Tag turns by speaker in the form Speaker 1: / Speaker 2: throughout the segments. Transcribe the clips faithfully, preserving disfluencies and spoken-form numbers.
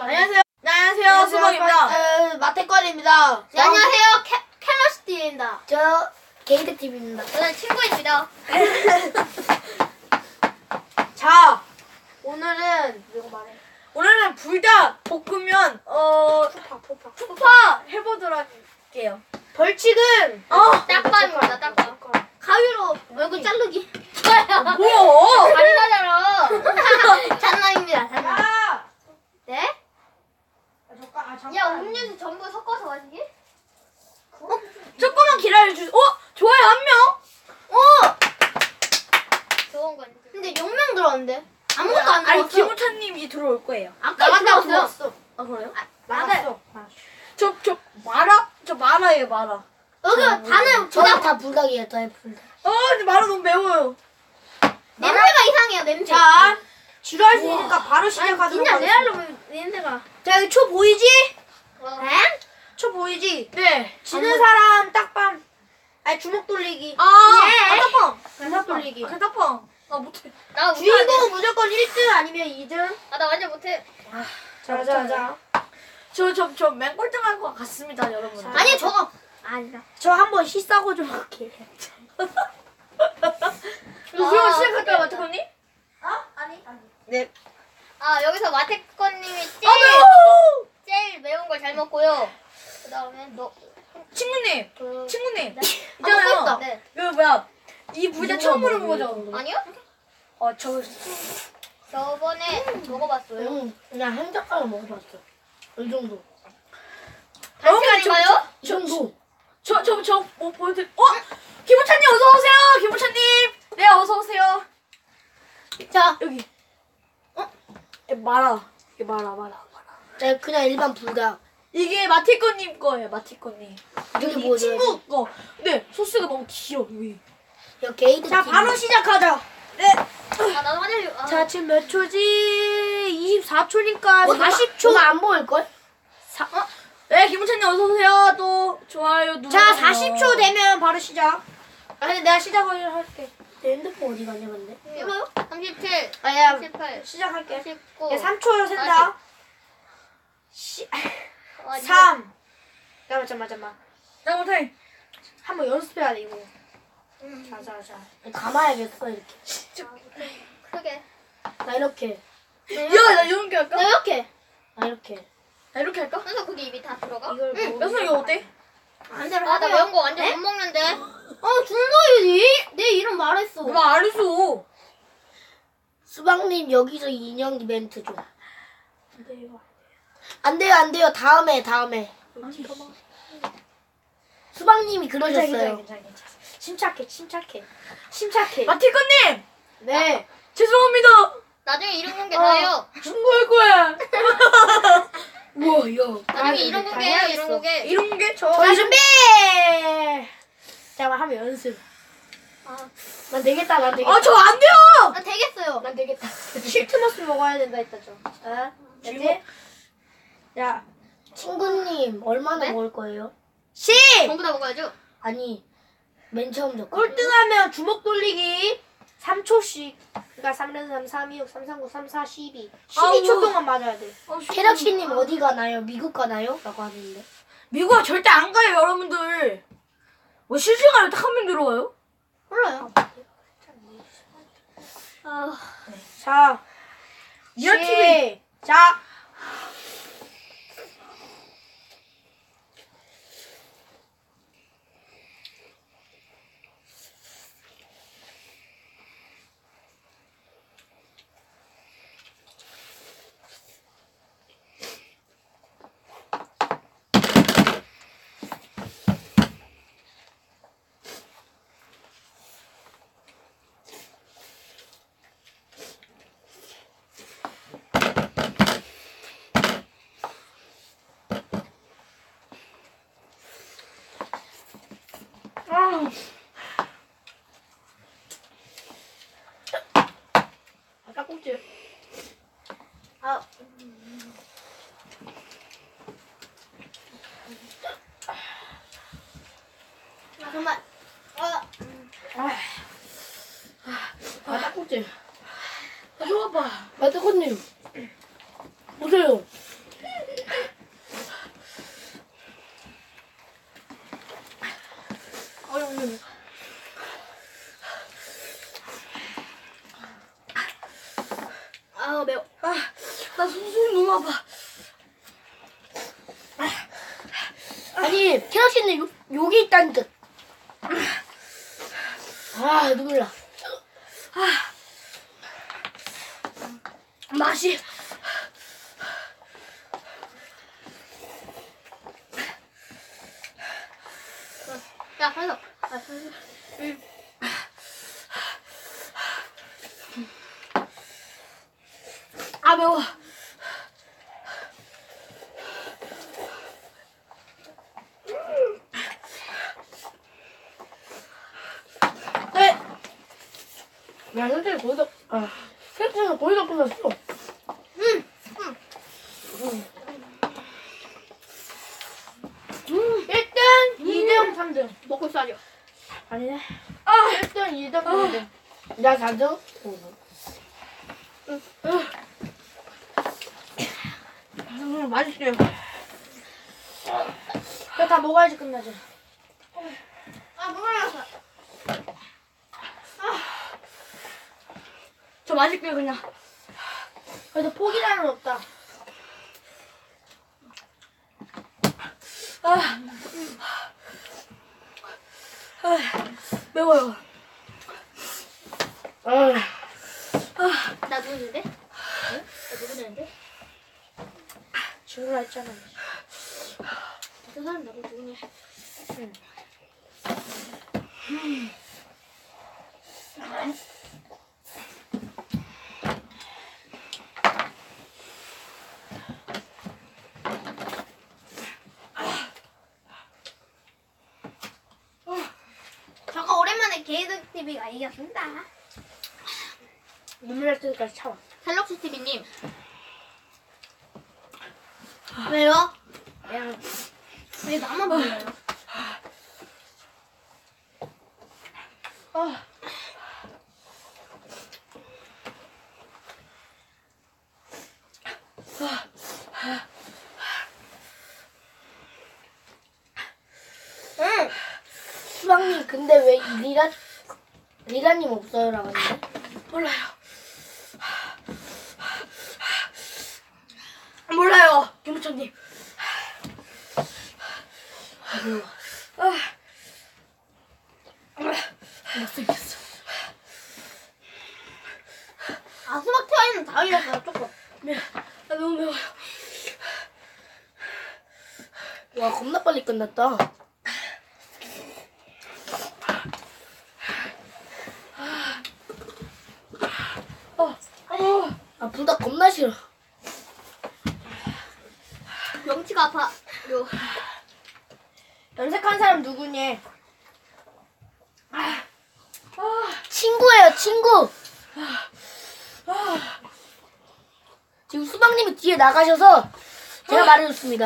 Speaker 1: 안녕하세요. 네, 안녕하세요. 수박입니다.
Speaker 2: 마태권입니다.
Speaker 3: 네, 안녕하세요. 캐, 캘러스티입니다.
Speaker 2: 저 게이드팀입니다.
Speaker 3: 저는 친구입니다.
Speaker 2: 자, 오늘은 이거 말해.
Speaker 1: 오늘은 불닭 볶으면 어
Speaker 2: 푸파 푸파
Speaker 1: 푸파 해보도록 할게요.
Speaker 2: 벌칙은
Speaker 1: 어
Speaker 3: 딱밤입니다. 딱밤. 가위로 얼굴 자르기.
Speaker 1: 뭐야?
Speaker 3: 잔인하잖아. 장난입니다. 장난.
Speaker 2: 아,
Speaker 3: 네?
Speaker 2: 아, 잠깐, 아, 잠깐.
Speaker 3: 야, 음료수 전부 섞어서 마시기?
Speaker 1: 조금만 기다려 주세요. 어 좋아요 한 명.
Speaker 3: 어! 좋은 건. 근데 영 명 들어왔는데? 아무것도 안
Speaker 1: 아니
Speaker 3: 들어왔어.
Speaker 1: 김우찬님이 들어올 거예요.
Speaker 3: 아까
Speaker 2: 나갔다
Speaker 3: 들어왔어.
Speaker 2: 들어왔어.
Speaker 1: 아 그래요?
Speaker 2: 나갔어.
Speaker 1: 저 저 마라 저 마라예요 마라.
Speaker 3: 여기 다는
Speaker 2: 저랑
Speaker 3: 저랑
Speaker 2: 다 불닭이에요. 저의 불닭.
Speaker 1: 어 근데 마라 너무 매워요.
Speaker 3: 냄새가 이상해요. 냄새.
Speaker 2: 자, 지루할 수 있으니까 바로 시작하도록
Speaker 3: 진짜
Speaker 2: 하겠습니다.
Speaker 3: 레알로 냄새가.
Speaker 2: 자, 여기 초 보이지?
Speaker 3: 에?
Speaker 2: 초 보이지?
Speaker 1: 네.
Speaker 2: 지는 사람 딱밤. 아니 주먹 돌리기.
Speaker 1: 아
Speaker 3: 예.
Speaker 1: 가다펑.
Speaker 2: 주먹 돌리기.
Speaker 1: 가다펑. 아 못해.
Speaker 3: 나 못하는데.
Speaker 2: 주인공은 무조건 일 등 아니면 이 등.
Speaker 3: 아, 나 완전 못해.
Speaker 2: 자, 자, 자.
Speaker 1: 저저저 맹골등할 것 같습니다 여러분.
Speaker 3: 아니, 저거. 아니다.
Speaker 2: 저 한번 시싸고 좀 할게요.
Speaker 1: 이거 그럼
Speaker 3: 아,
Speaker 1: 시작할까요
Speaker 3: 그래.
Speaker 1: 마태건님?
Speaker 2: 어? 아니, 아니.
Speaker 1: 네.
Speaker 3: 아, 여기서 마태권님이
Speaker 1: 아
Speaker 3: 제일,
Speaker 1: 매워.
Speaker 3: 제일 매운 걸 잘 먹고요. 그 다음에 너.
Speaker 1: 친구님.
Speaker 3: 그.
Speaker 1: 친구님.
Speaker 3: 네.
Speaker 1: 있잖아요.
Speaker 3: 아, 네.
Speaker 1: 그 뭐야 이 불닭
Speaker 2: 누가
Speaker 1: 처음 먹는
Speaker 2: 먹어요?
Speaker 1: 거죠?
Speaker 3: 아니요?
Speaker 1: 어 저.
Speaker 3: 저번에 먹어봤어요.
Speaker 2: 응, 그냥 한 젓가락 먹어봤어. 이 정도.
Speaker 3: 단시간인가요?
Speaker 2: 이 정도.
Speaker 1: 저 저 저 뭐 보여드릴. 어 김우찬님 어서 오세요. 김우찬님. 네 어서 오세요.
Speaker 3: 자,
Speaker 1: 여기. 어? 예, 마라. 이게 마라 마라 마라.
Speaker 2: 네, 그냥 일반 불닭.
Speaker 1: 이게 마티꺼님 거예요 마티꺼님.
Speaker 2: 이게
Speaker 1: 이
Speaker 2: 뭐죠?
Speaker 1: 친구 거. 근데 소스가 너무 귀여워 여기.
Speaker 2: 여 게이드.
Speaker 1: 자 바로 시작하자. 네.
Speaker 3: 아, 나도 화장실. 아.
Speaker 2: 자, 지금 몇 초지? 이십사 초니까
Speaker 1: 어,
Speaker 2: 사십 초. 안 보일걸?
Speaker 1: 사, 어? 네, 김우찬님 어서 오세요. 또 좋아요 누르.
Speaker 2: 자, 사십 초 되면 바로 시작. 아니, 내가 시작을 할게. 내 핸드폰 어디 갔냐, 근데?
Speaker 3: 이거요? 삼십칠,
Speaker 2: 아, 야,
Speaker 3: 삼십팔,
Speaker 2: 시작할게.
Speaker 3: 삼십구.
Speaker 2: 야, 삼 초요, 센다. 시,
Speaker 3: 아, 이거-
Speaker 2: 삼. 잠깐만, 잠깐만, 잠깐만.
Speaker 1: 자, 못해.
Speaker 2: 한번 연습해야 돼, 이거.
Speaker 3: 음.
Speaker 2: 자, 자, 자. 감아야겠어, 이렇게.
Speaker 3: 아, 크게.
Speaker 2: 나 이렇게.
Speaker 1: 야, 나 이렇게 할까?
Speaker 3: 나 이렇게.
Speaker 2: 나 이렇게.
Speaker 1: 나 이렇게 할까?
Speaker 3: 그래서 그게 입이 다 들어가?
Speaker 2: 이걸
Speaker 3: 응.
Speaker 2: 뭐-
Speaker 1: 여섯 이거 어때?
Speaker 2: 안 되면
Speaker 3: 아, 나
Speaker 2: 하세요.
Speaker 3: 매운 거 완전 못 먹는데. 어, 준서이 내 이름 말했어.
Speaker 1: 나 알았어.
Speaker 2: 수박님, 여기서 인형 이벤트 좀. 안 돼요, 안 돼요. 다음에, 다음에. 수박님이 그러셨어요.
Speaker 1: 괜찮아, 괜찮아, 괜찮아.
Speaker 2: 침착해, 침착해. 침착해.
Speaker 1: 마티꺼님!
Speaker 2: 네.
Speaker 1: 죄송합니다.
Speaker 3: 나중에 이름 공개
Speaker 2: 어.
Speaker 3: 다 해요.
Speaker 1: 신고할 거야.
Speaker 2: 우와, 야.
Speaker 3: 나중에 이름 공개해요, 이름 공개.
Speaker 1: 이런 게 저.
Speaker 2: 자, 준비! 자, 하면 연습.
Speaker 3: 아,
Speaker 2: 난 되겠다, 난 되겠다.
Speaker 1: 아, 저 안 돼요!
Speaker 3: 아, 되겠어요.
Speaker 2: 난 되겠다. 실트머스 먹어야 된다 했다, 저. 어? 알지? 야, 친구님, 얼마나
Speaker 3: 네?
Speaker 2: 먹을 거예요?
Speaker 1: 십!
Speaker 3: 전부 다 먹어야죠.
Speaker 2: 아니, 맨 처음 저
Speaker 1: 꼴등하면 주먹 돌리기.
Speaker 2: 삼 초씩. 그러니까 삼, 삼, 삼, 이, 육, 삼, 삼, 구, 삼, 사, 십이.
Speaker 1: 아우.
Speaker 2: 십이 초 동안 맞아야 돼.
Speaker 1: 어,
Speaker 2: 캐럭씨님 어디 가나요? 미국 가나요? 라고 하는데.
Speaker 1: 미국 절대 안 가요, 여러분들. 뭐 실시간으로 딱 한 명 들어와요?
Speaker 3: 몰라요. 아,
Speaker 2: 자,
Speaker 1: 리얼 티비.
Speaker 2: 자. 아, 깍꼭지.
Speaker 3: 아, 아, 정말. 아,
Speaker 2: 아, 깍꼭지. 아, 좋아봐. 마태코님. 보세요.
Speaker 1: 손 너무 아파.
Speaker 2: 아니 캐럿이는 요 여기 있다는 듯. 아 눈물 나.
Speaker 1: 맛이.
Speaker 3: 야, 현석. 아, 현석. 응.
Speaker 1: 아 매워.
Speaker 2: 네. 야 선생님 거기다 아 선생님 거기다 끝났어.
Speaker 3: 응. 응.
Speaker 2: 음. 일 등, 이 등, 삼 등.
Speaker 3: 먹고 있어야죠.
Speaker 2: 아니네.
Speaker 1: 아.
Speaker 2: 일 등, 이 등, 삼 등. 나 사 등. 오 등.
Speaker 1: 음, 맛있어요.
Speaker 2: 그거 다 먹어야지 끝나지.
Speaker 3: 아, 눈물 났어.
Speaker 1: 저 맛있게요 그냥.
Speaker 2: 그래도 포기라는 없다.
Speaker 1: 아, 아 매워요.
Speaker 2: 아,
Speaker 3: 나 누구는데? 응? 나 누구는데?
Speaker 2: 친구라 했잖아.
Speaker 3: 저 사람 나도 누구냐?
Speaker 2: 응.
Speaker 3: 저거 오랜만에 게이드 티비가 이겼습니다.
Speaker 2: 눈물 날 때까지 참아.
Speaker 3: 셀럭시 티비님. 왜요?
Speaker 2: 그냥
Speaker 3: 왜 나만 불러요?
Speaker 1: 아,
Speaker 2: 응. 수박님 근데 왜 리라 리라님 없어요라고 했는데?
Speaker 1: 몰라요. 몰라요, 김부천님. 아, 못생겼어.
Speaker 3: 아, 수박 태화이는 다 이겼어요, 조금.
Speaker 1: 매, 아, 너무 매워요.
Speaker 2: 와 겁나 빨리 끝났다.
Speaker 1: 어, 어,
Speaker 2: 아프다 겁나 싫어.
Speaker 3: 명치가 아파. 요.
Speaker 2: 염색한 사람 누구니?
Speaker 1: 아,
Speaker 2: 친구예요 친구. 지금 수박님이 뒤에 나가셔서 제가 말해줬습니다.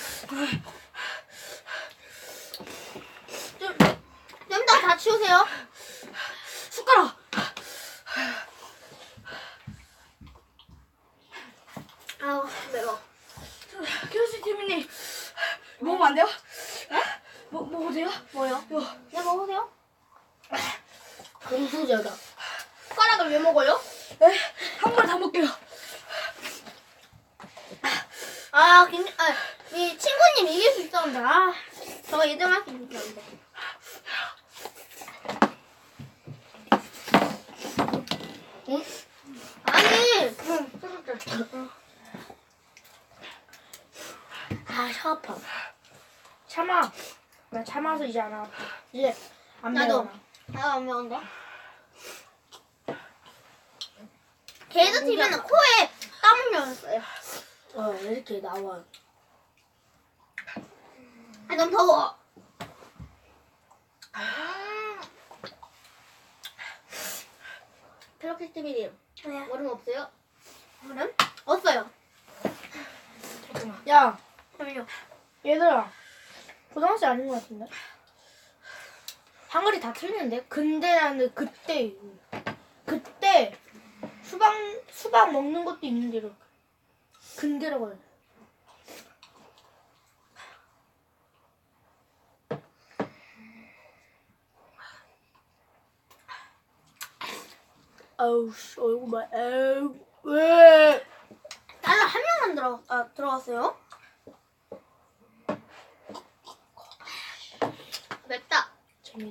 Speaker 3: 좀, 좀 더 다 치우세요.
Speaker 1: 숟가락.
Speaker 3: 아우, 매워.
Speaker 1: 교수 팀님 먹으면 안 돼요? 네? 먹 먹어도 돼요?
Speaker 3: 뭐요?
Speaker 1: 요.
Speaker 3: 네, 먹으세요.
Speaker 2: 금수저다.
Speaker 3: 숟가락을 왜 먹어요?
Speaker 1: 네, 한 번 다 먹게요.
Speaker 3: 아, 김, 아, 이 친구님 이길 수 있었는데, 아, 저가 이 등 할 수 있었는데.
Speaker 2: 응?
Speaker 3: 아니,
Speaker 2: 아, 혀 아파. 참아. 나 참아서 이제 안 아파. 이제 안
Speaker 3: 나도.
Speaker 2: 매워.
Speaker 3: 나도 안 매운데. 게이드 티비는 코에 땀을 흘렸어요.
Speaker 2: 어, 이렇게 나와.
Speaker 3: 아, 너무 더워. 갤럭시 티비님, 얼음 없어요? 얼음? 없어요.
Speaker 2: 야,
Speaker 3: 잠깐만요.
Speaker 2: 얘들아. 고등학생 아닌 것 같은데? 한글이 다 틀리는데? 근데 나는 그때, 그때 수박, 수박 먹는 것도 있는데, 이렇게. 근데라고 해야 돼. 아우, 씨, 얼굴 봐. 에우, 왜?
Speaker 3: 나는 한 한 명만 들어 아, 들어갔어요? 맵다.
Speaker 2: 재밌.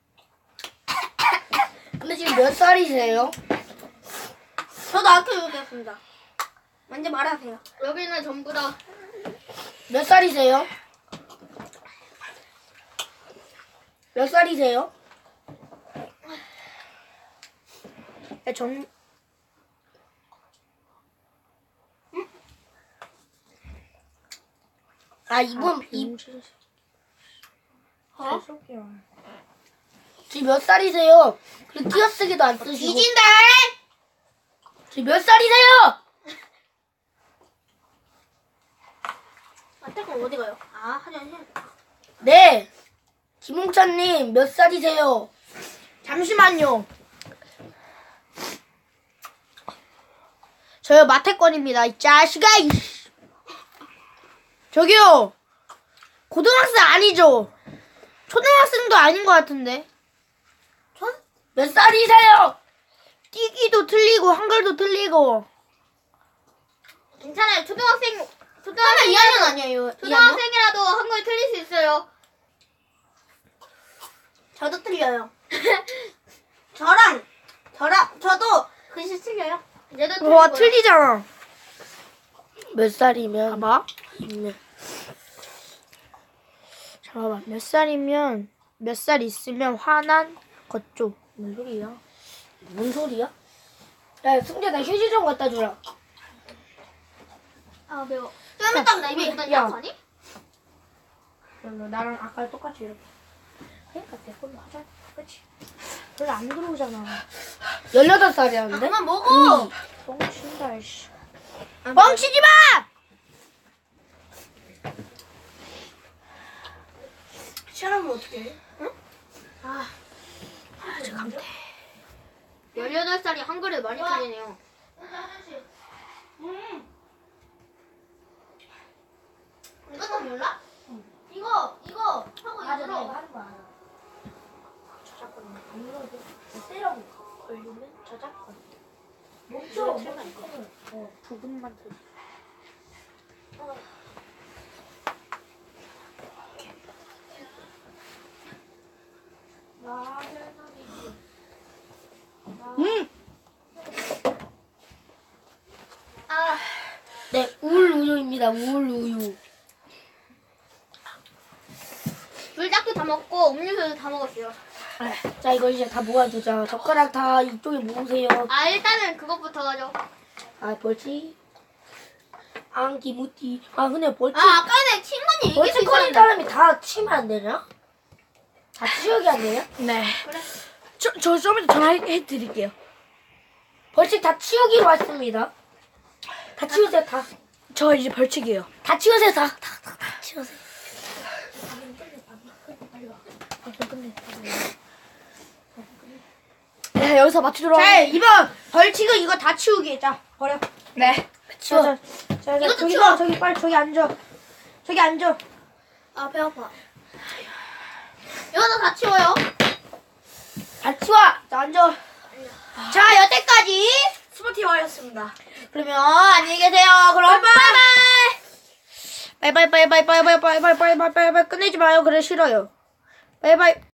Speaker 2: 근데 지금 몇 살이세요?
Speaker 3: 저도 학교 여기였습니다. 먼저 말하세요. 여기는 전부 다
Speaker 2: 몇 살이세요? 몇 살이세요? 야, 정... 아, 이분, 이,
Speaker 3: 어?
Speaker 2: 지금 몇 살이세요? 그리고 띄어쓰기도 안 쓰시고.
Speaker 3: 뒤진다.
Speaker 2: 지금 몇 살이세요?
Speaker 3: 아, 잠깐 어디 가요? 아, 화장실.
Speaker 2: 네. 김홍찬님, 몇 살이세요? 잠시만요. 저요, 마태권입니다. 이 자식아, 이씨. 저기요. 고등학생 아니죠? 초등학생도 아닌 것 같은데.
Speaker 3: 전?
Speaker 2: 몇 살이세요? 뛰기도 틀리고, 한글도 틀리고.
Speaker 3: 괜찮아요. 초등학생 초등학생 이 학년 아니에요. 초등학생이라도 한글 틀릴 수 있어요. 저도 틀려요. 저랑 저랑 저도 글씨 틀려요. 얘도 틀리고.
Speaker 2: 와, 틀리잖아. 몇 살이면? 봐봐. 잠깐만, 몇 살이면, 몇 살 있으면 화난 것쪽. 뭔 소리야? 뭔 소리야? 야, 승재, 나 휴지 좀 갖다 주라.
Speaker 3: 아 매워. 좀 이따 나 입에 묻었냐?
Speaker 2: 야.
Speaker 3: 아니?
Speaker 2: 너 나랑 아까 똑같이 이렇게. 그러니까 내 걸로 하자. 그치? 별로 안 들어오잖아. 열여덟 살이었는데?
Speaker 3: 그만 먹어.
Speaker 2: 뻥친다, 씨. 뻥치지 마!
Speaker 1: 시원하면 어떡해?
Speaker 3: 아,
Speaker 2: 아, 저 감태.
Speaker 3: 열여덟 살이 한글을 많이 틀리네요. 이것도 몰라? 이거 이거 하고
Speaker 2: 맞아,
Speaker 3: 이거
Speaker 2: 내가 하는 거 알아. 저작권 안 눌러도 세라고 걸리면 저작권. 멈춰, 멈춰. 어, 부분만 들. 음.
Speaker 3: 아,
Speaker 2: 네, 우울우유입니다. 우울우유.
Speaker 3: 불닭도 다 먹고 음료수도 다 먹었어요.
Speaker 2: 아, 자, 이거 이제 다 모아두자. 젓가락 다 이쪽에 모으세요.
Speaker 3: 아 일단은 그것부터 가죠.
Speaker 2: 아, 벌칙. 안기무띠. 아, 근데 벌칙.
Speaker 3: 아 아까 전에 친구니 이길 수
Speaker 2: 벌칙 걸린
Speaker 3: 있었는데.
Speaker 2: 사람이 다 치면 안 되냐? 다 치우기 안 되냐?
Speaker 1: 네.
Speaker 3: 그래.
Speaker 1: 저, 저 좀 이따 전화해 드릴게요.
Speaker 2: 벌칙 다 치우기로 했습니다. 다 치우세요, 다.
Speaker 1: 저 이제 벌칙이에요.
Speaker 2: 다 치우세요, 다. 다, 다, 다 치우세요.
Speaker 1: 네, 여기서 맞추도록
Speaker 2: 자,
Speaker 1: 하겠습니다.
Speaker 2: 이번 벌칙은 이거 다 치우기. 자, 버려.
Speaker 1: 네.
Speaker 2: 치워. 자, 자, 자,
Speaker 3: 이것도
Speaker 2: 저기
Speaker 3: 치워.
Speaker 2: 봐, 저기 빨리 저기 앉아. 저기 앉아.
Speaker 3: 아 배 아파. 이거도 다 치워요.
Speaker 2: 다 치워. 자, 앉아. 자, 여태까지.
Speaker 1: 스포티와이였습니다.
Speaker 2: 그러면 안녕히 계세요. 그럼 바이바이. 바이바이, 바이바이, 바이바이, 바이바이, 바이바이, 바이바이. 끝내지 마요. 그래, 싫어요. 바이바이.